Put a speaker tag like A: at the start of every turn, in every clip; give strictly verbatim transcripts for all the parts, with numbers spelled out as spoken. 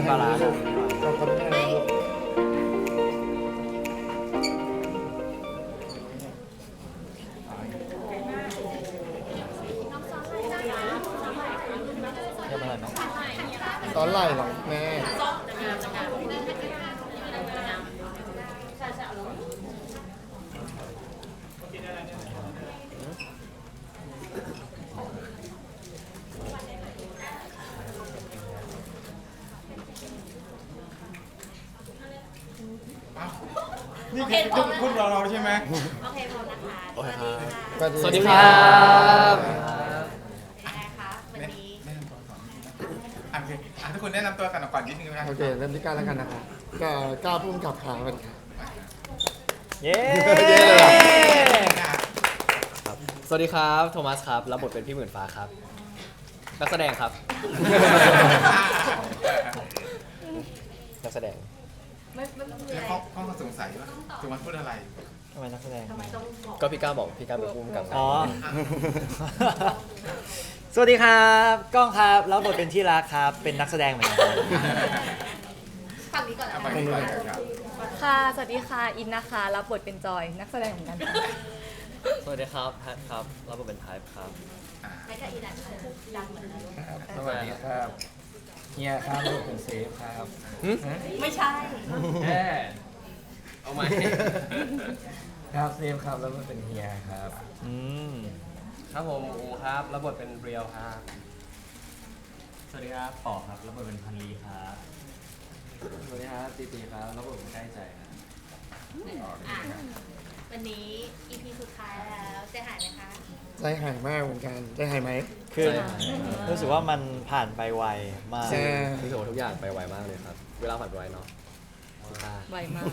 A: ปลาร้าครับ
B: ขอบคุณแม่ลูก
A: เรียบร้อยไหม
B: ตอนไหล่หรอแม่
C: นี่คือคุณคุณรอเราใช่ไหม
D: โอเคพร้อมนะคะ
A: โอเคครับ
B: สวัสดี
A: สวัสดีครับ
D: เป็นไงคะวันนี้
C: แนะนำตัวก่อนอ่ะโอเคอ่ะทุกคนแนะนำตัวกันก่อนนิดนึงนะครับ
B: โอเคเริ่มที่ก้าวแล้วกันนะครับก็ก้าวพุ่มกับขาวันครับ
A: เย้
B: เย้เลยเหรอ
A: ครับสวัสดีครับโทมัสครับรับบทเป็นพี่หมื่นฟ้าครับนักแสดงครับนักแสดง
D: ไม่ไม่ไม่มี
C: แล้ว
D: อะไร
C: เขาเขาสงสัยว่าจุมันพูดอะไร
A: ทำไมนักแสดง
D: ทำไมต้องบอก
A: ก็พี่ก้าวบอกพี่ก้าวเป็นผู้กำกับ
E: อ๋อ สวัสดีครับก้องครับรับบทเป็นที่รักครับ เป็นนักแสดงเหมือนกันครับ
D: ฝั่งนี้ก่อน
C: เอา
D: นะ
C: ไปดีกว่าครับ
F: ค่ะ สวัสดีค่ะ อินนะคะ รับบทเป็นจอย นักแสดงเหมือนกันค่ะ
A: สวัสดีครับแพทครับรับบทเป็นไทป์ครับ
D: ไม่ใช่อีนันดังเหมือนกัน
G: สวัสดีครับเฮียครับลูกเป็นเซฟครับ
D: ไม่ใช่
G: แม่
A: เอาไหม
G: ครับเซฟครับแล้วมันเป็นเฮียครับ
E: อืม
A: ครับผมอูครับรับบทเป็นเรียวครับ
E: สวัสดีครับปอครับรับบทเป็นพันลีครับ
G: สวัสดีครับตีตีครับแล้วผมใกล้ใจครับ
D: อ่ะวันนี้ อี พี สุดท้ายแล้วใจหายไหมคะ
B: ใจหายมากเหมือนกันใจหายไหม
E: คือรู้สึกว่ามันผ่านไปไวมาก
B: ใช่
A: รู้สึกว่าทุกอย่างไปไวมากเลยครับ เวลาผ่านไปไวเนาะสุดท้าย
F: ไวมาก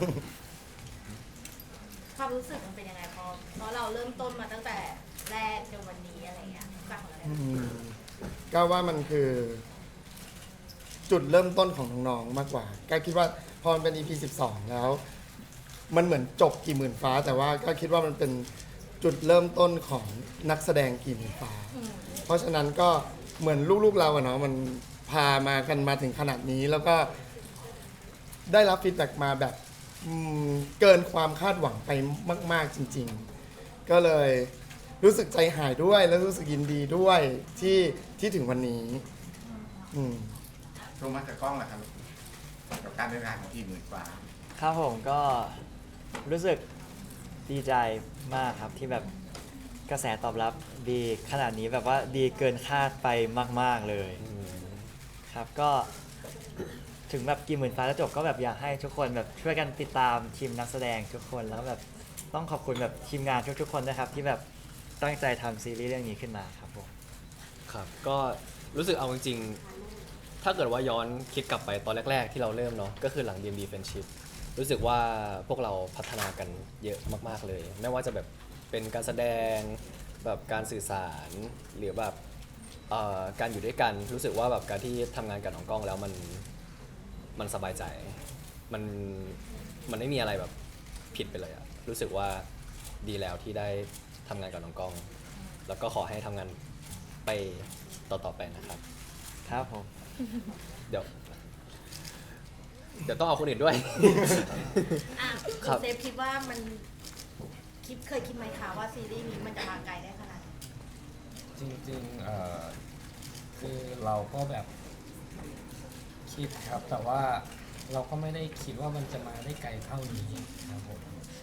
D: ความรู้สึกมันเป็นยังไงพอเพราะเราเริ่มต้นมาตั้งแต่แรกจนวันนี้อะไรเงี้ยจากของเรา
B: อืมก้าวว่ามันคือ จุดเริ่มต้นของน้องๆมากกว่าก้าวคิดว่าพอมันเป็น อี พี สิบสองแล้ว มันเหมือนจบกี่หมื่นฟ้า แต่ว่าก็คิดว่ามันเป็นจุดเริ่มต้นของนักแสดงกี่หมื่นฟ้า เพราะฉะนั้นก็เหมือนลูกๆเราอะเนาะมันพามากันมาถึงขนาดนี้ แล้วก็ได้รับฟีดแบ็กมาแบบอืมเกินความคาดหวังไปมาก ๆจริง ๆ ก็เลยรู้สึกใจหายด้วยแล้วรู้สึกยินดีด้วยที่ที่ถึงวันนี้ อืม
C: โทรมาจากกล้องแหละครับกับการเดินทางของทีมหมื่นกว่า
E: ครับผมก็รู้สึกดีใจมากครับที่แบบกระแสตอบรับดีขนาดนี้แบบว่าดีเกินคาดไปมาก ๆ เลย
A: อืม
E: ครับก็ถึงแบบกี่หมื่นฟ้าแล้วจบก็แบบอยากให้ทุกคนแบบช่วยกันติดตามทีมนักแสดงทุกคนแล้วแบบต้องขอบคุณแบบทีมงานทุกๆคนนะครับที่แบบตั้งใจทำซีรีส์เรื่องนี้ขึ้นมาครับผม
A: ครับก็รู้สึกเอาจริงๆถ้าเกิดว่าย้อนคิดกลับไปตอนแรกๆที่เราเริ่มเนาะก็คือหลัง ดี เอ็ม ดี Friendship รู้สึกว่าพวกเราพัฒนากันเยอะมากๆเลย ไม่ว่าจะแบบเป็นการแสดงแบบการสื่อสารหรือแบบเอ่อการอยู่ด้วยกันรู้สึกว่าแบบการที่ทำงานกับน้องกล้องแล้วมันมันสบายใจมันมันไม่มีอะไรแบบผิดไปเลยอะรู้สึกว่าดีแล้วที่ได้ทำงานกับน้องกล้อง แล้วก็ขอให้ทำงานไปต่อๆไปนะครับ
E: ครับผม
A: เดี๋ยว เดี๋ยวต้องเอาคนอื่นด้วย
D: อ่ะ
A: ครับ
D: เซฟคิดว่ามันคิดเคยคิดไหมคะว่าซีรีส์นี้มันจะมาไกลได้ขนาดนี้
G: จริงๆเอ่อคือเราก็แบบคิดครับ แต่ว่าเราก็ไม่ได้คิดว่ามันจะมาได้ไกลเท่านี้ครับผม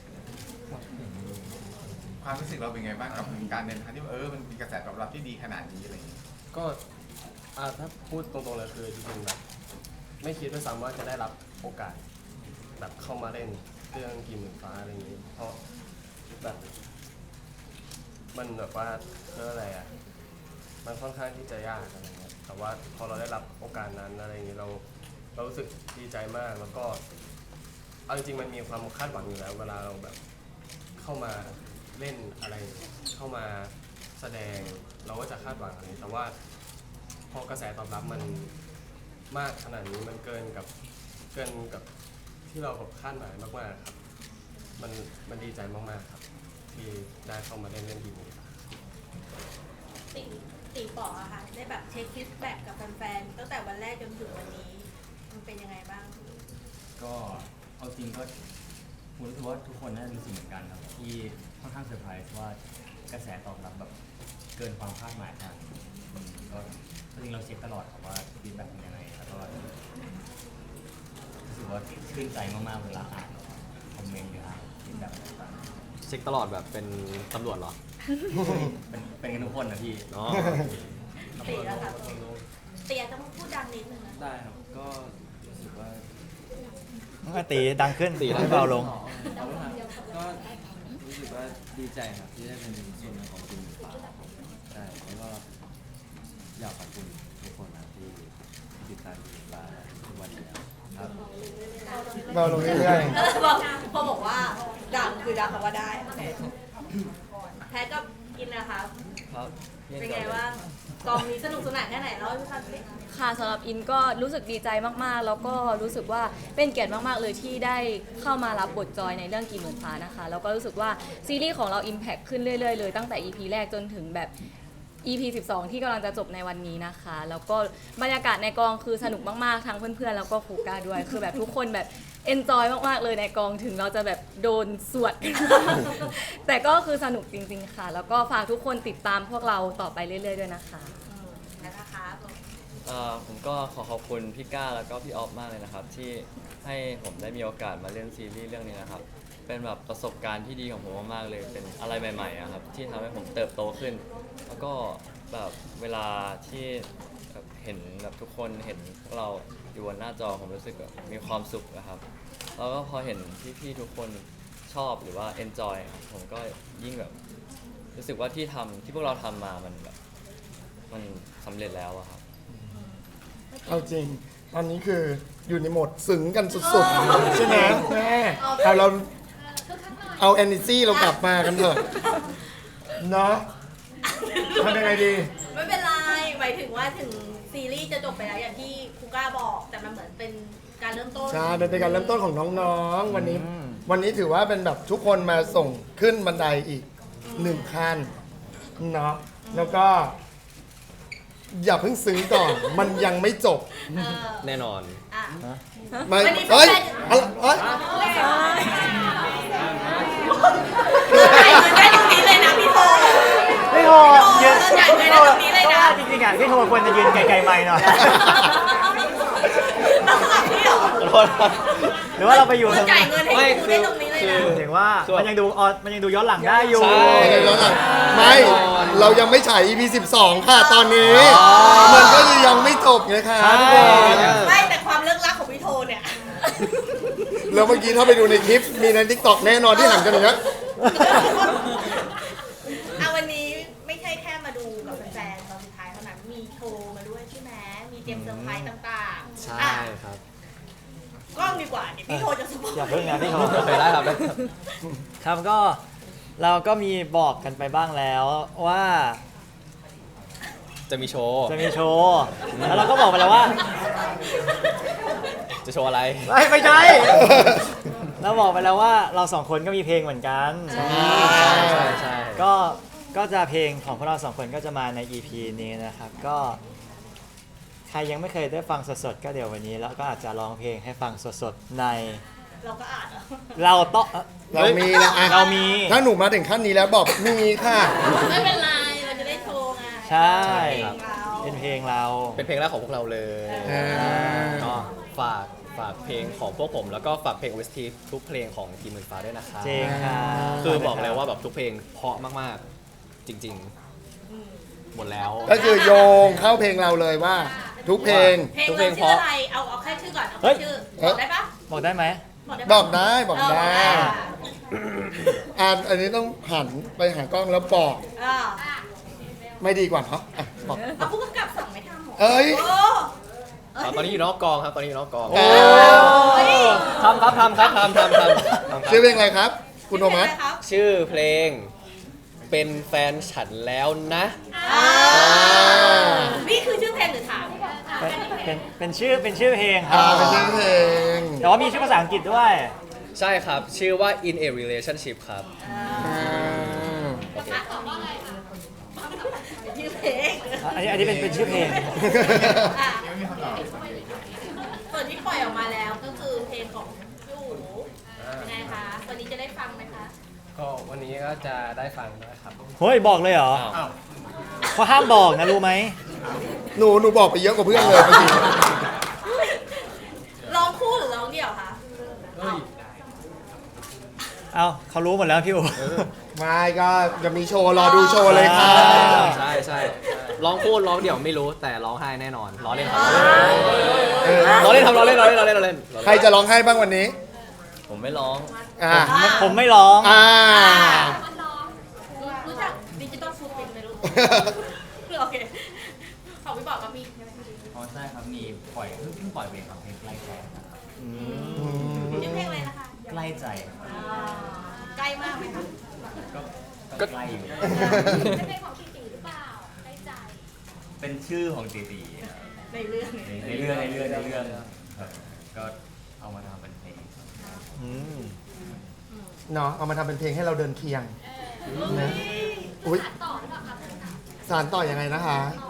C: ความรู้สึกเราเป็นไงบ้างกับการเดินทางที่เออมันมีกระแสตอบรับที่ดีขนาดนี้อะไรอย่างเงี้ย
H: ก็อ่าถ้าพูดตรงๆเลยคือจริงๆแบบไม่คิดด้วยซ้ำว่าจะได้รับโอกาสแบบเข้ามาเล่นเรื่องกี่หมื่นฟ้าอะไรอย่างนี้ เพราะแบบมันแบบว่าเรื่องอะไรอ่ะมันค่อนข้างที่จะยากอะไรเงี้ยแต่ว่าพอเราได้รับโอกาสนั้นอะไรอย่างนี้เราเรารู้สึกดีใจมากแล้วก็เอาจริงๆมันมีความคาดหวังอยู่แล้ว เวลาเราแบบเข้ามาเล่นอะไรเข้ามาแสดงเราก็จะคาดหวังอะไรแต่ว่าพอกระแสตอบรับมันมากขนาดนี้มันเกินกับเกินกับที่เราแบบคาดหมายมากๆครับมันมันดีใจมากๆครับที่ได้เข้ามาเล่นเล่นทีนี้
D: ตีตีป๋ออะค่ะได้แบบเช็คฟีดแบ็กกับแฟนๆตั้งแต่วันแรกจนถึงวันนี้มันเป็นยังไงบ้าง
I: ก็เอาจริงก็ผมรู้สึกว่าทุกคนน่าจะรู้สึกเหมือนกันครับที่ค่อนข้างเซอร์ไพรส์ว่ากระแสตอบรับแบบเกินความคาดหมายมากอืมก็จริงเราเช็คตลอดครับว่าฟีดแบ็กเป็นยังไงแล้วก็รู้สึกว่าชื่นใจมากๆเวลาอ่านคอมเมนต์หรืออ่านฟีดแบ็กต่าง
A: เช็คตลอดแบบเป็นตำรวจเหรอ
I: ๆเป็นเป็นกันทุกคนนะพี่
A: อ๋อ
D: ตีแล้วค่ะเตียต้องพูดดังนิดนึงนะ
I: ได้ครับก็รู้สึกว่า
E: เมื่อตีดังขึ้น
A: ตีดังขึ้น
E: ให้เบาลง
I: ก็รู้สึกว่าดีใจครับที่ได้เป็นส่วนหนึ่งของทีมหมูป่าใช่แล้วก็อยากขอบคุณทุกคนนะที่ติดตามทีมหมูป่าทุกวันนี้ครับ
B: เบาลงเรื่อย
D: บอกพอบอกว่าดังคือดังคำว่าได้โอเคแพ้ก็กินนะคะ
A: ครับ
D: เป็นไงบ้างกองนี้สนุกสนานแค่ไหนเล่าให้พี่ฟังสิ
F: ค่ะสำหรับอินก็รู้สึกดีใจมากๆ แล้วก็รู้สึกว่าเป็นเกียรติมากๆเลยที่ได้เข้ามารับบทจอยในเรื่องกี่หมื่นฟ้านะคะ แล้วก็รู้สึกว่าซีรีส์ของเรา Impact ขึ้นเรื่อยๆเลยตั้งแต่ อี พี แรกจนถึงแบบ อี พี สิบสอง ที่กำลังจะจบในวันนี้นะคะ แล้วก็บรรยากาศในกองคือสนุกมากๆ ทั้งเพื่อนๆ แล้วก็ครูก้าด้วย คือแบบทุกคนแบบเอนจอยมากๆ เลยในกองถึงเราจะแบบโดนสวด แต่ก็คือสนุกจริงๆ ค่ะ แล้วก็ฝากทุกคนติดตามพวกเราต่อไปเรื่อยๆ ด้วยนะคะ
D: อืมนะคะ
J: เอ่อผมก็ขอขอบคุณพี่ก้าแล้วก็พี่ออฟมากเลยนะครับ ที่ให้ผมได้มีโอกาสมาเล่นซีรีส์เรื่องนี้นะครับ เป็นแบบประสบการณ์ที่ดีของผมมากๆเลย เป็นอะไรใหม่ๆอะครับที่ทำให้ผมเติบโตขึ้น แล้วก็แบบเวลาที่แบบเห็นแบบทุกคนเห็นพวกเราอยู่บนหน้าจอผมรู้สึกแบบมีความสุขนะครับ แล้วก็พอเห็นพี่ๆทุกคนชอบหรือว่า enjoy ครับผมก็ยิ่งแบบรู้สึกว่าที่ทำที่พวกเราทำมามันแบบมันสำเร็จแล้วอะครับ
B: ๆ เอาจริง ตอนนี้คืออยู่ในโหมดซึ้งกันสุดๆ ใช่ไหมแม่เอาเราเอา energy เรากลับมากันเถอะเนาะทำยังไงดี
D: ไม่เป็นไรหมายถึงว่าถึงซีรีส์จะจบไปแล้วอย่างที่ครูก้าบอก แต่มันเหมือนเป็นการเริ่มต้น
B: ใช่มันเป็นการเริ่มต้นของน้องๆ วันนี้
E: อืม
B: วันนี้ถือว่าเป็นแบบทุกคนมาส่งขึ้นบันไดอีกหนึ่งขั้นเนาะ แล้วก็ อย่าเพิ่งซึ้งก่อน มันยังไม่จบ
D: เออ
A: แน่นอน
D: อ่ะ
B: ไม่
D: วันนี้
B: เฮ้ย
D: แฟน
B: อะไรเฮ้ย
D: จ่ายเงินได้ตรงนี้เลยนะพี่โท
E: พี่โทยืน
D: จ่ายเงินได้ตรงนี้เลยนะ
E: จริงๆอ่ะพี่โทควรจะยืนไกลๆไม่หน่อย
D: ต้องสลับที่เหรอ
E: หรือว่าเราไปอยู่
D: คุณ
E: ตรง
D: จ่ายเงินให้
A: ไม่
D: ดูได้ตรงนี้เลยนะ
E: ถึงว่ามันยังดูออนมันยังดูย้อนหลังได้อยู่
A: ใช่
B: ไม่ เรายังไม่ฉาย อี พี สิบสอง ค่ะตอนนี้ มันก็ยังไม่จบไงคะทุกคน
D: ไม่แต่ความเลิกลักของพี่โทเนี่ย
B: แล้วเมื่อกี้ถ้าไปดูในคลิป มีใน ทิกตอก แน่นอนที่หันกันอย่างนี้ย
D: เอาวันนี้ไม่ใช่แค่มาดูกับแฟนๆตอนสุดท้ายเท่านั้น มีโชว์มาด้วยใช่ไหมมีเตรียมเซอร์ไพรส์ต่างๆ
A: ใช่
D: อ่ะ
A: ครับ
D: กล้องดีกว่าเดี๋ยวพี่โทจะสปอย
E: อย่าเพิ่งนะพี่โท
A: โอเคได้ครับได้ครับ
E: ครับก็เราก็มีบอกกันไปบ้างแล้วว่า
A: จะมีโชว์
E: จะมีโชว์แล้วเราก็บอกไปแล้วว่า
A: จะโชว์อะไร
E: ไม่ไม่ใช่ เราบอกไปแล้วว่าเราสองคนก็มีเพลงเหมือนกัน
A: ใช่ใช่
E: ก็ก็จะเพลงของพวกเราสองคนก็จะมาใน อี พี นี้นะครับ ก็ใครยังไม่เคยได้ฟังสดๆก็เดี๋ยววันนี้แล้วก็อาจจะร้องเพลงให้ฟังสดๆใน
D: เราก็อ่านเหรอ
E: เราต้อง
B: เรามีนะอ่ะ
E: เรามี
B: ถ้าหนูมาถึงขั้นนี้แล้วบอกมีค่ะ
D: ไม่เป็นไร เราจะได้โชว์ไง
E: ใช่
D: เพลงเรา
E: เป็นเพลงเรา
A: เป็นเพลงแรกของพวกเราเลย
B: อ่า
A: ก็ฝากฝากเพลงของพวกผม แล้วก็ฝากเพลง โอ เอส ที ทุกเพลงของทีมหมื่นฟ้าด้วยนะคะ
E: จริงครับ
A: คือบอกเลยว่าแบบทุกเพลงเพราะมากๆ จริงๆ หมดแล้ว
B: ก็คือโยงเข้าเพลงเราเลยว่า ทุกเพลง
D: เพลง
A: ทุกเพล
D: เรา
A: ง
D: ชื่อ
A: เพราะ
D: อะไร เอาเอาแค่ชื่อก่อน เอา
E: เฮ้
D: แค่
E: ย
D: ชื่อ
B: เฮ้
D: บ
B: ย
D: อกได้ปะ
E: บอกได้ไหม
B: บอกได้บอก
D: เออ
B: ได้
D: อ่ะ
B: อ่านอันนี้ต้องหันไปหากล้องแล้วบอก
D: อ่ะ
B: ไม่ดีกว่าเนาะอ่ะบอก
D: เอาผู้กำกับสั่งไม่ทำหรอ
B: เอ้ย
D: โอ้
A: อ่าตอนนี้อยู่นอกกองครับ ตอนนี้อยู่นอกกอง
B: โอ้
A: ทำครับทำครับทำทำทำทำค
B: ชื่อ
A: รับ
B: เพลงอะไรครับ คุณโทมัส
D: ชื่อเพลงอะไรครับ
A: ชื่อเพลงเป็นแฟนฉันแล้วนะ
D: อ่านี่คือชื่อเพลงหรือถาม
E: เป็นเป็นเป็นชื่อเป็นชื่อเพลงครั
B: อ่า
E: บ
B: เป็นชื่อเพลง
E: แต่ว่ามีชื่อภาษาอังกฤษด้วย
A: ใช่ครับ ชื่อว่า in a relationship ครับ
B: อ่า
D: ชื่อเพลง
E: อันนี้อันนี้เป็นเป็นชื่อเพลง
D: อ่ะ
C: ยังไม่มีคำตอบ
D: ส่วนที่ที่ปล่อยออกมาแล้วก็คือเพลงของพี่อู๋ยังไงคะวันนี้จะได้ฟังไหมคะ
H: ก็วันนี้ก็จะได้ฟังด้วยครับ
E: เฮ้ยบอกเลยเหรอ
C: อ้าว
E: เขาห้ามบอกนะรู้ไหม
B: หนูหนูบอกไปเยอะกว่าเพื่อนเลยเมื่อกี้
D: ร้องคู่หรือร้องเดี่ยวคะ
H: เฮ้ย
E: เอาเขารู้หมดแล้วพี่อู๋
B: ไม่ก็จะมีโชว์รอดูโชว์เลยค่ะ
A: ใช่ใช่ร้องพูดร้องเดี่ยวไม่รู้แต่ร้องไห้แน่นอนร้องเล่นครับ
B: เออ
A: ร้องเล่นครับร้องเล่นร้องเล่นร้องเล่นร้องเล่น
B: ใครจะร้องไห้บ้างวันนี้
J: ผมไม่ร้อง
B: อ่า
E: ผมไม่ร้อง
B: อ่า
D: รู้จักดิจิตอลฟูดเป็นไหมลูกโอเคของพี่บอกก็มีใช่ไหม
I: อ๋อใช่ครับมีปล่อยเพิ่งเพิ่งปล่อยเพลงครับเพลงใกล้ใจนะครับ
D: ชื่อเพลงอะไรนะคะ
I: ใกล้ใจครับ
D: อ่าใกล้มากไหมคะ
I: ก็
A: ก็
I: ใกล้อยู่
D: เป็นเพลงของพี่ตีหรือเปล่าใกล้ใจ
I: เป็นชื่อของตีตีครับ
D: ในเรื่อง
I: ในในเรื่องในเรื่องในเรื่องครับก็เอามาทำเป็นเพลงครับ
E: อืม
B: เนาะเอามาทำเป็นเพลงให้เราเดินเคียงนะอุ้ยสารต่อยังไงนะคะ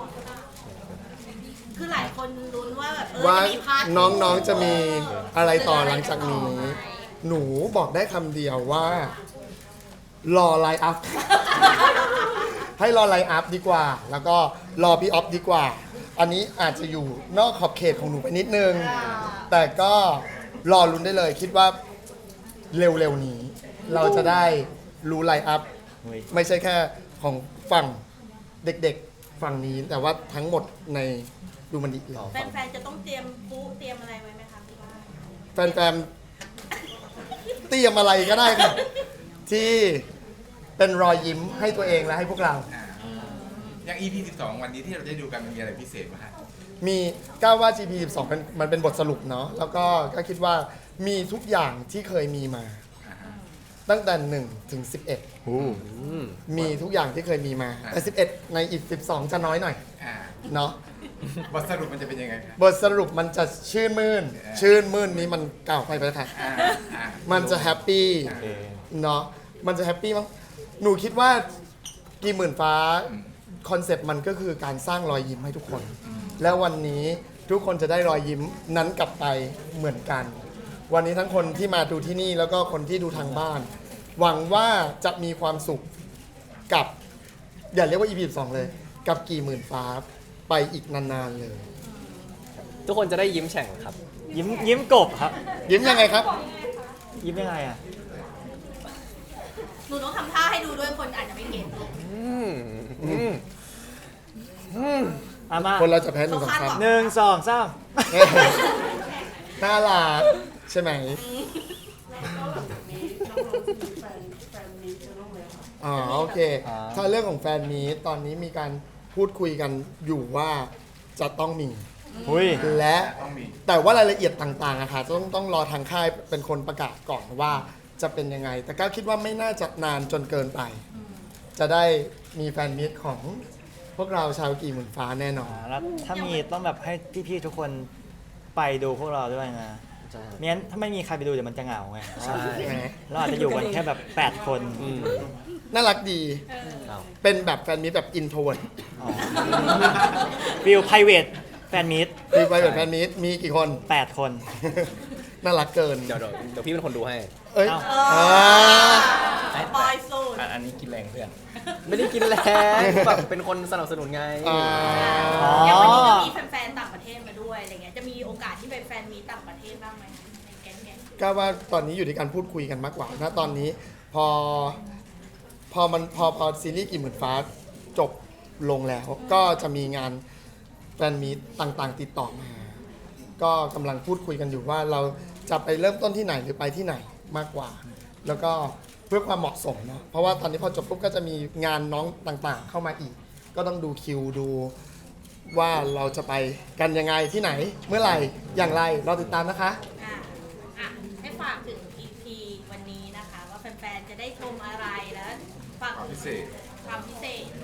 D: คือหลายคนลุ้นว่าแบบเออ
B: ว่า
D: จะมีพาร์ท
B: น้องๆจะมีอะไรต่อหลังจากนี้ หนูบอกได้คำเดียวว่า รอไลน์อัพ ให้รอไลน์อัพดีกว่า แล้วก็รอพี่ออฟดีกว่า อันนี้อาจจะอยู่นอกขอบเขตของหนูไปนิดนึง แต่ก็รอลุ้นได้เลย คิดว่าเร็วๆนี้ เราจะได้รู้ไลน์อัพ
E: เฮ้ย
B: ไม่ใช่แค่ของฝั่งเด็กๆฝั่งนี้ แต่ว่าทั้งหมดในดูมันดีเลย
D: แฟนๆจะต้องเตรียมปุ๊เตรียมอะไรไว้ไหมคะพี่ว่า
B: แฟนๆเตรียมอะไรก็ได้ครับ ที่เป็นรอยยิ้มให้ตัวเองและให้พวกเรา
C: อ่าอย่าง อี พี สิบสอง วันนี้ที่เราได้ดูกันมันมีอะไรพิเศษไหมฮะ
B: มีก้าวว่า จี พี สิบสองเป็นมันเป็นบทสรุปเนาะแล้วก็ก็คิดว่ามีทุกอย่างที่เคยมีมา
C: อ่าฮะ
B: ตั้งแต่หนึ่งถึงสิบเอ็ด
A: อืม
B: มีทุกอย่างที่เคยมีมา แต่สิบเอ็ดในอีกสิบสองจะน้อยหน่อย
C: อ่า
B: เนาะ
C: บทสรุปมันจะเป็นยังไงครับ
B: บทสรุปมันจะชื่นมื่น ชื่นมื่นนี้มันเก่าไปไปแล้วค่ะ
C: อ่าอ่า
B: มันจะแฮปปี้
A: โอเค
B: เนาะมันจะแฮปปี้มั้งหนูคิดว่ากี่หมื่นฟ้าคอนเซปต์มันก็คือการสร้างรอยยิ้มให้ทุกคน แล้ววันนี้ทุกคนจะได้รอยยิ้มนั้นกลับไปเหมือนกัน วันนี้ทั้งคนที่มาดูที่นี่แล้วก็คนที่ดูทางบ้าน หวังว่าจะมีความสุขกับอย่าเรียกว่า อี พี สิบสองเลย กับกี่หมื่นฟ้าไปอีกนานๆเลย
A: ทุกคนจะได้ยิ้มแฉ่งครับ
E: ยิ้มยิ้มกบครับ
B: ยิ้มยังไงครับ
E: ยิ้มยังไงอ่ะ
D: หนูต้องทำท่าให้ดูด้วยคนอาจจะไม่เก็ต
A: อืมอืมอืม
E: อามา
B: คนเราจะแพ้หนึ่งสองสาม
E: หนึ่งสองสาม
B: น่ารักใช่ไหมอ๋อโอเค ถ้าเรื่องของแฟนมีตตอนนี้มีการพูดคุยกันอยู่ว่าจะต้องมี
E: หุย
B: และ
C: ต้องมี
B: แต่ว่ารายละเอียดต่างๆอะค่ะต้องต้องรอทางค่ายเป็นคนประกาศก่อนว่าจะเป็นยังไง แต่ก็คิดว่าไม่น่าจะนานจนเกินไป จะได้มีแฟนมีตของพวกเราชาวกี่หมื่นฟ้าแน่นอน
E: อ่าแล้วถ้ามีต้องแบบให้พี่ๆทุกคนไปดูพวกเราด้วยนะ
A: ใช่
E: ไม่งั้นถ้าไม่มีใครไปดูเดี๋ยวมันจะเหงาไง
A: ใช่
E: เราอาจจะอยู่กันแค่แบบแปดคน
A: อืม
B: น่ารักดี
A: เอา
B: เป็นแบบแฟนมีตแบบอินโทรเวิร์ด
E: ฟิลไพรเวทแฟนมิต
B: มีไปแบบแฟนมีตมีกี่คน
E: แปดคน
B: น่ารักเกิน
A: เดี๋ยวเดี๋ยวเดี๋ยวพี่เป็นคนดูให้
B: เอ้ย
E: เอ้า
B: อ่า
D: ปอยสูตร
G: อันนี้กินแรงเพื่อน
A: ไม่ได้กินแรงแบบเป็นคนสนับสนุนไง
B: อ่า
E: อ๋อ
D: อย่างวันนี้ก็มีแฟนๆต่างประเทศมาด้วยอะไรเงี้ยจะมีโอกาสที่ไปแฟนมีต่างประเทศบ้างไหมในแก๊งๆ
B: ก็ว่าตอนนี้อยู่ในการพูดคุยกันมากกว่านะตอนนี้พอพอมันพอพอซีรีส์กี่หมื่นฟ้าจบลงแล้ว ก็จะมีงานแฟนมีตต่างๆ ติดต่อมา ก็กำลังพูดคุยกันอยู่ว่าเราจะไปเริ่มต้นที่ไหนหรือไปที่ไหนมากกว่า แล้วก็เพื่อความเหมาะสมเนาะเพราะว่าตอนนี้พอจบปุ๊บก็จะมีงานน้องต่างๆ เข้ามาอีก ก็ต้องดูคิวดูว่าเราจะไปกันยังไงที่ไหนเมื่อไหร่อย่างไรเราติดตามนะคะ
D: อ่ะอ่ะให้ฝากถึง อี พี วันนี้นะคะ ว่าแฟนๆ จะได้ชมอะไรแล้วฝาก
C: ความพิเศษ
D: ความพิเศษ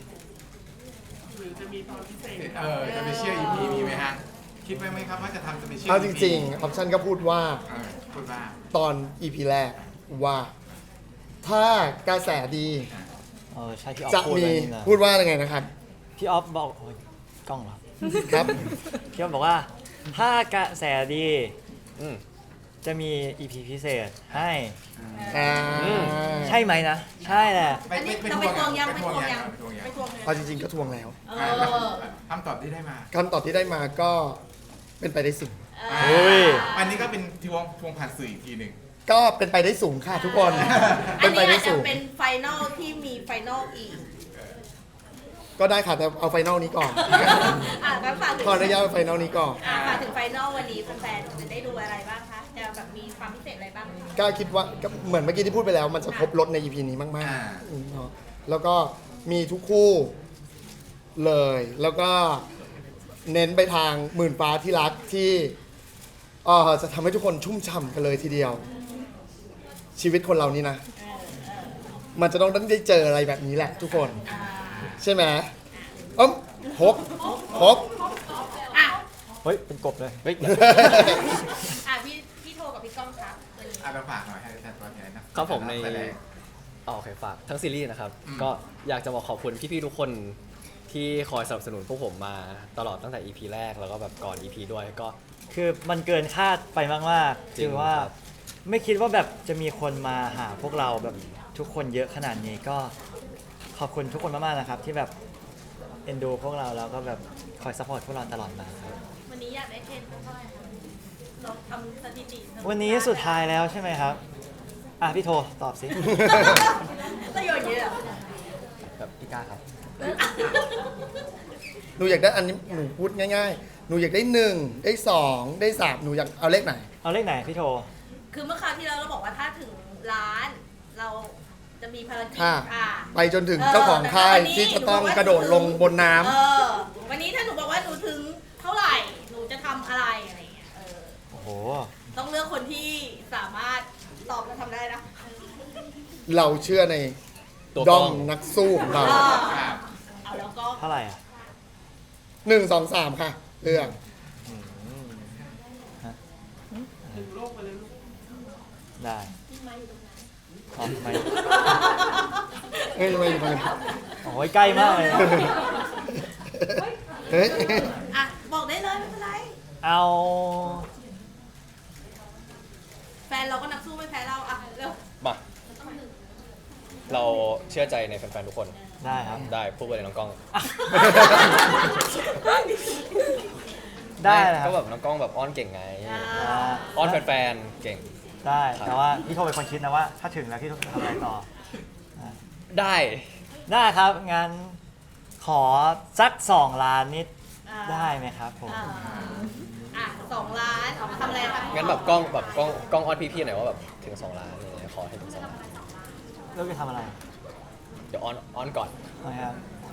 C: เออจะไปเชื่อ อี พี มีไหมฮะ คิดไว้ไหมครับว่าจะทำจะไปเชื่อ
B: เอาจริงๆออปชันก็พูดว่า
C: เออพูดว่า
B: ตอน อี พี แรกว่าถ้ากระแสดี
E: เออใช่พี่ออฟ
B: จะ
E: พูด
B: มี
E: ไว้นี่นะ
B: พูดว่ายังไงนะครับ
E: พี่ออฟบอกโอ้ยกล้องเหรอ
B: ครับ
E: พี่ออฟบอกว่าถ้ากระแสดี
A: อืม
E: จะมี อี พี พิเศษให้
B: อ่า
E: ใช่ไหมนะ ใช่แหละ
C: ไป
D: อัน
C: ไป
D: นี้
C: ไป
D: เรา
C: ท
D: ไป
C: วง
D: ทวงยัง
C: ไป
D: ไป
C: ท
D: ท
C: ว
D: ว
C: ง
D: ง
C: ยั
D: ยัง ง
C: ไปทวงยัง
D: ไปทวงยัง
B: เอาจริงๆก็ทวงแล้ว
D: เอ
C: อ่า
D: อ
C: คำตอบที่ได้มา
B: คำตอบที่ได้มาก็เป็นไปได้สูง
C: อ่า
E: โอ้ย
C: อันนี้ก็เป็นทวงทวงผ่านสื่ออีกทีหนึ่ง
B: ก็เป็นไปได้สูงค่ะทุกคน
D: อั
B: เป็น นไป
D: นี้
B: ได้
D: อาจจะ
B: สูง
D: เป็นไฟนอลที่มีไฟนอลอีก
B: ก็ได้ค่ะแต่เอาไฟนอลนี้ก่อน
D: อ่ะงั้นฝากถึง
B: ขออนุญาตไฟนอลนี้ก่อน
D: อ่ะฝากถึงไฟนอลวันนี้แฟนๆจะได้ดูอะไรบ้างคะ จะแบบมีความพิเศษอะไรบ้าง
B: ก็คิดว่าก็เหมือนเมื่อกี้ที่พูดไปแล้ว มันจะครบรถใน อี พี นี้มาก
C: อ่า
B: ๆอืมเนาะแล้วก็มีทุกคู่เลย แล้วก็เน้นไปทางหมื่นฟ้าที่รักที่เอ่อจะทำให้ทุกคนชุ่มฉ่ำกันเลยทีเดียว ชีวิตคนเรานี่นะ มันจะต้องได้เจออะไรแบบนี้แหละทุกคน ใช่ไหมเอ้มฮบฮบ
D: อ่ะ
E: เฮ้ย เป็นกบเลย
A: เฮ้ย
D: อ่ะพี่พี่โทรกับพี่ก้องครับวันนี้
C: อ่ะเราฝากหน่อยให้แทนตัวแทนนะครับ
A: ผมใน
C: แสดง
A: อ๋อโอเคฝากทั้งซีรีส์นะครับ
C: อืม
A: ก็อยากจะบอกขอบคุณพี่ๆทุกคนที่คอยสนับสนุนพวกผมมาตลอดตั้งแต่ อี พี แรกแล้วก็แบบก่อน อี พี ด้วยก็
E: คือมันเกินคาดไปมากๆ
A: จริง
E: คือว่า
A: ครับ
E: ไม่คิดว่าแบบจะมีคนมาหาพวกเราแบบทุกคนเยอะขนาดนี้ก็ขอบคุณทุกคนมากๆนะครับ ที่แบบเอ็นดูพวกเราแล้วก็แบบคอยซัพพอร์ตพวกเราตลอดมาครับ
D: วันนี้อยากได้เทรนเท่าไหร่คะเราทำสถิติ
E: วันนี้สุดท้ายแล้วใช่ไหมครับ อ่ะพี่โทตอบสิ
D: ประโยชน์เยอะ
A: แบบพี่ก้าครับ
B: หนูอยากได้อันนี้หนูพูดง่ายๆ หนูอยากได้หนึ่งได้สองได้สามหนูอยากเอาเลขไหน
E: เอาเลขไหนพี่โท
D: คือเมื่อคราวที่แล้วเราบอกว่าถ้าถึงล้าน เราจะมีภารกิจ
B: ค่ะ
D: อ่ะ
B: ไปจนถึงเจ้าของค่ายที่จะต้องกระโดดลงบนน้ำ
D: เออ วันนี้ถ้าหนูบอกว่าหนูถึงเท่าไหร่ หนูจะทำอะไรอะไรอย่างเงี้ย เออ
E: โอ้โห
D: ต้องเลือกคนที่สามารถตอบและทำได้นะ
B: เราเชื่อใน
A: ตัว
B: ด้
A: กล้
B: อ
A: อง
B: มนักสู้ของเรา
D: เออเอาแล้วก็
E: เท่าไหร่อ่ะ
B: หนึ่งสองสามค่ะ เรื่อง
E: ได้อ๋อไม่
B: เอ้ยทำไมอยู่ตรงนั้น
E: โอ้ยใกล้มากเลย
B: เฮ้ย
D: อ่ะ บอกได้เลยไม่เป็นไร
E: เอา
D: แฟนเราก็นักสู้ไม่แพ้เรา อ่ะ เร็ว
A: มา เราเชื่อใจในแฟนๆทุกคน
E: ได้ครับ
A: ได้พูดไปเลยน้องกล้อง
E: ได้เลยครั
A: ก็
E: บ
A: แบบน้องกล้องแบบอ้อนเก่งไง
D: อ่า
E: อ่า
A: อ้อนแฟนๆเก่ง
E: ได้
A: ครับ
E: แต่ว่าพี่โทเป็นคนคิดนะว่า ถ้าถึงแล้วพี่โทจะทำอะไรต่อ
A: ได้
E: ได้ครับ งั้นขอสักสองล้านนิด
D: อ่า
E: ได้ไหมครับผม
D: อ่าอ่ะสองล้านทำอะไรคะ
A: งั้นแบบกล้องแบบกล้องกล้องอ้อนพี่ๆหน่อยว่าแบบถึงสองล้านอะไรอย่างเงี้ยขอให้ถึงสองล้าน
E: เลือกจะทำอะไร
A: เดี๋ยวอ้อนอ้อนก่อน
E: นะครับ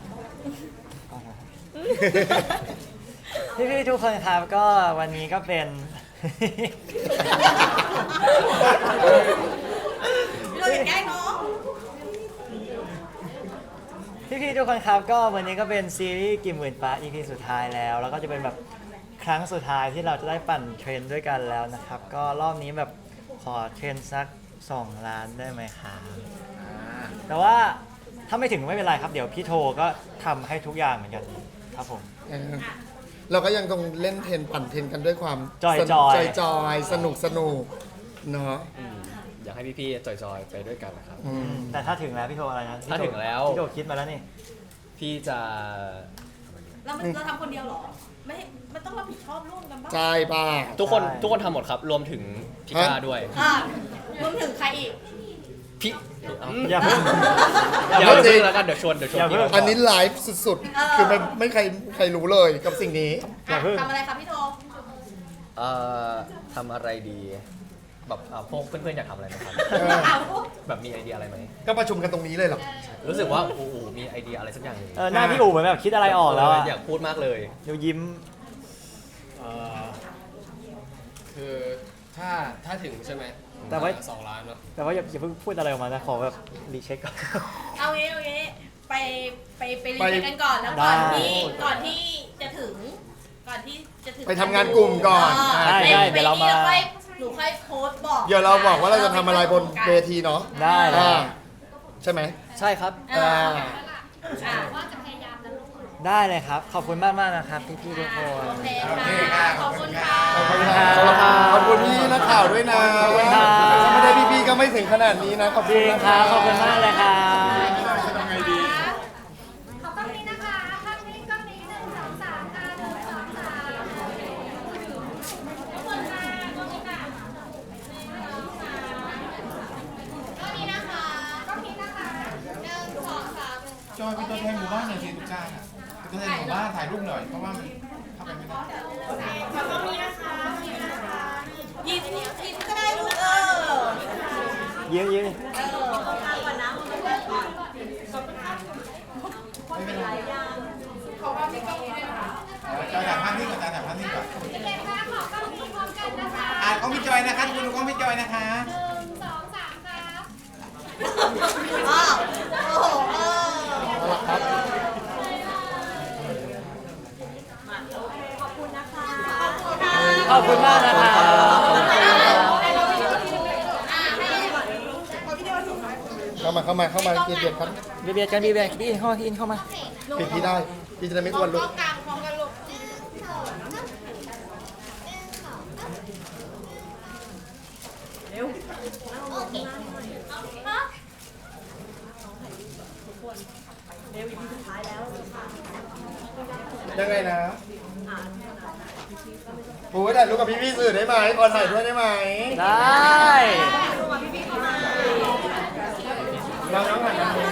E: พี่พี่ๆทุกคนครับก็วันนี้ก็เป็น
D: เราอยากแกล้งน้อง
E: พี่พี่ๆทุกคนครับก็วันนี้ก็เป็นซีรีส์กี่หมื่นฟ้า อี พี สุดท้ายแล้ว แล้วก็จะเป็นแบบครั้งสุดท้ายที่เราจะได้ปั่นเทรนด์ด้วยกันแล้วนะครับ ก็รอบนี้แบบขอเทรนด์สักสองล้านได้ไหมครับ
C: อ่า
E: แต่ว่าถ้าไม่ถึงไม่เป็นไรครับ เดี๋ยวพี่โทก็ทำให้ทุกอย่างเหมือนกันครับผม
B: เออเราก็ยังคงเล่นเทนปั่นเทนกันด้วยความ
E: จอยๆ
B: สนุกจอยๆสนุกสนุกเนาะ
A: อยากให้พี่ๆจอยๆไปด้วยกันนะครับ
B: อืม
E: แต่ถ้าถึงแล้วพี่โทอะไรนะพี่โท
A: ถ้าถึงแล้ว
E: พี่โทคิดมาแล้วนี่
A: พี่จะ
D: เรามันเราทำคนเดียวเหรอ ไม่มันต้องรับผิดชอบร่วมกันบ้าง
B: ใช่ป่ะ
A: ทุกคน
E: ใช่
A: ทุกคนทำหมดครับ รวมถึงพี่ก้าด้วย
D: อ่ะรวมถึงใครอีก
A: พี่เอา
E: อย่าเพิ่ง
A: อย่า
B: เพิ่ง
A: เพิ่งแล้วกันเดี๋ยวชวนเดี๋ยวชวน
E: อย่า
A: พี่
E: เพิ่ง
A: เขา
B: อันนี้ไลฟ์สุด
D: เออ
B: ๆ คือไม่ไม่ใครใครรู้เลยกับสิ่งนี้
E: อย่าเพิ่ง
D: ทำอะไรครับพี่โท
A: เอ่อทำอะไรดีแบบอ่ะพวกเพื่อนๆอยากทำอะไรไหมครับ
B: เออ
D: เอา
A: แบบมีไอเดียอะไรไหม
B: ก็ประชุมกันตรงนี้เลยเหรอ
A: รู้สึกว่าโอ้โหมีไอเดียอะไรสักอย่างหนึ่ง
E: เออหน้าพี่อู๋เหมือนแบบคิดอะไรออกแล้วอะ
A: อยากพูดมากเลย
E: เดี๋ยวยิ้ม
G: เอ่อคือถ้าถ้าถึงใช่ไหม
E: แต่ว่า
G: สองล้านเนาะ
E: แต่ว่าอย่าอย่าเพิ่งพูดอะไรออกมานะขอแบบรีเช็คก่อน
D: เอางี้เอางี้ไปไปไปรี
B: ไป
D: เช็คกันก่อนแล้วก่อน
E: ได้
D: ที่ก่อนที่จะถึง ก่อนที่จะถึง
B: ไปทำงานกลุ่มก่อน
D: เ
E: ได้
D: ไป
E: ได้
D: ไป
E: เดี๋ยวเรามา
D: นี่ค่อยหนูค่อยโพสต์บอก
B: เดี๋ยวเราบอกว่าเราจะทำอะไรบนเวทีเนาะ
E: ได้ได้
B: อ่าใช่ไหม
A: ใช่ครับ
D: อ่า
B: อ่า
D: อ่า
E: ได้เลยครับ ขอบคุณมากมากๆนะครับพี่ๆทุกคน
D: โอเค
C: โอเค
D: ค่ะ
C: ค่ะ
D: ขอบคุณค่ะ
B: ขอบคุณครับ
A: ขอบคุณครับ
B: ขอบคุณพี่นักข่าวด้วยนะ
E: ขอบคุณครับ
B: ถ้าไม่ได้พี่ๆก็ไม่ถึงขนาดนี้นะขอบ
E: จ
B: คุ
E: ริ
B: ณ
E: ง
B: นะ
E: ครับ ขอบคุณมากเลยครับ
C: ทำไงดี
D: ขอบคุณนะคะภาพนี้กล้องนี้หนึ่งสองสามค่ะหนึ่งสองสามขอบคุณค่ะขอบคุณค่ะกล้องนี้นะคะกล้องนี้นะคะหนึ่งสองสาม
C: จอยเป็นตัวแทนหมู่บ้านหน่อยสิทุกจ้าอะเป็นตัวแทนหมู่บ้านถ่ายรูปหน่อยเพราะว่ามันเข้าไปไม่ได้
D: ขอบคุณนะคะขอบคุณนะคะยิ้มยิ้มก็ได้ลูกเออ
E: เยอะเยอะ
D: เออเอาทางก่อนนะมันเลิกก่อน
C: ไม่เป็นไรขอว่าพี่ก้องนี้ได้ไหมคะจอยถ่ายภาพนิ่งก่อนจอยถ่ายภาพนิ่งก่อน
D: เด็กๆคะขอกล้องนี้พร้อมกันนะคะ
C: อ่านกล้องพี่จอยนะคะทุกคนดูกล้องพี่จอยนะคะ
D: หนึ่งสองสามครับอ้าวโอ้โหเออ
B: ครับ
D: ขอบคุณนะคะ
E: ขอบคุณมากนะครับ
B: เข้ามาเข้ามาเข้ามาเกียรติครับ
E: เบียดกันเบียดกันพี่อินเข้ามาพี่อินเข้ามา
B: ปิดพี่ได้พี่จะได้ไม่อ้วนลูก
D: กลางพร้อมกันลูกเร็วโอเคฮะ
B: ยังไงนะโอ้ยถ่ายรูปกับพี่ๆสื่อได้ไหมขอถ่ายด้วยได้ไหม
E: ได้
B: เราน้องหันมา